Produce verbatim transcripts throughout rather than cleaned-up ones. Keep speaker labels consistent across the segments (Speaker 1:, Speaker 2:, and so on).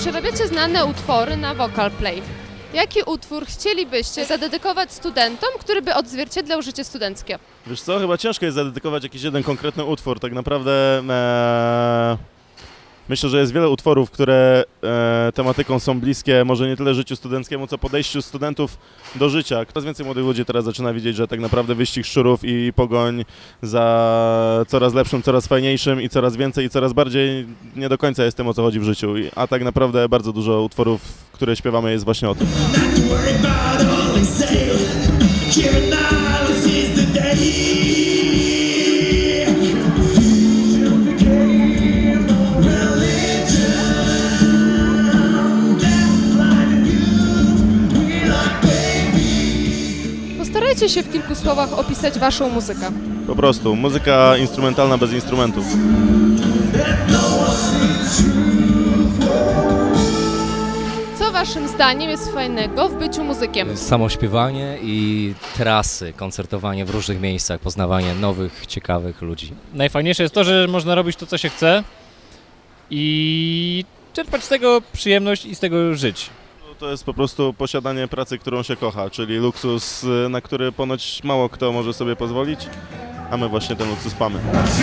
Speaker 1: przerabiacie znane utwory na Vocal Play. Jaki utwór chcielibyście zadedykować studentom, który by odzwierciedlał życie studenckie?
Speaker 2: Wiesz co, chyba ciężko jest zadedykować jakiś jeden konkretny utwór. Tak naprawdę e, myślę, że jest wiele utworów, które e, tematyką są bliskie, może nie tyle życiu studenckiemu, co podejściu studentów do życia. Coraz więcej młodych ludzi teraz zaczyna widzieć, że tak naprawdę wyścig szczurów i pogoń za coraz lepszym, coraz fajniejszym i coraz więcej i coraz bardziej nie do końca jest tym, o co chodzi w życiu. I- A tak naprawdę bardzo dużo utworów, które śpiewamy, jest właśnie o tym.
Speaker 1: Postarajcie się w kilku słowach opisać waszą muzykę.
Speaker 2: Po prostu muzyka instrumentalna bez instrumentów.
Speaker 1: Co waszym zdaniem jest fajnego w byciu muzykiem?
Speaker 3: Samo śpiewanie i trasy, koncertowanie w różnych miejscach, poznawanie nowych, ciekawych ludzi.
Speaker 4: Najfajniejsze jest to, że można robić to, co się chce i czerpać z tego przyjemność i z tego żyć.
Speaker 2: To jest po prostu posiadanie pracy, którą się kocha, czyli luksus, na który ponoć mało kto może sobie pozwolić, a my właśnie ten luksus mamy.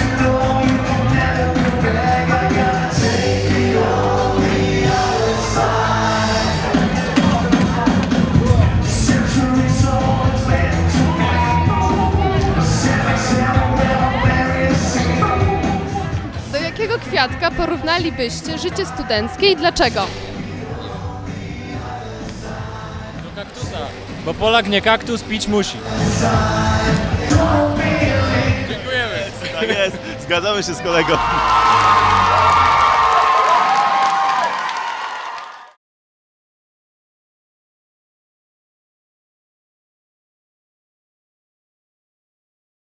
Speaker 1: Do jakiego kwiatka porównalibyście życie studenckie i dlaczego?
Speaker 4: Do kaktusa. Bo Polak nie kaktus, pić musi.
Speaker 2: Tak jest, zgadzamy się z kolegą.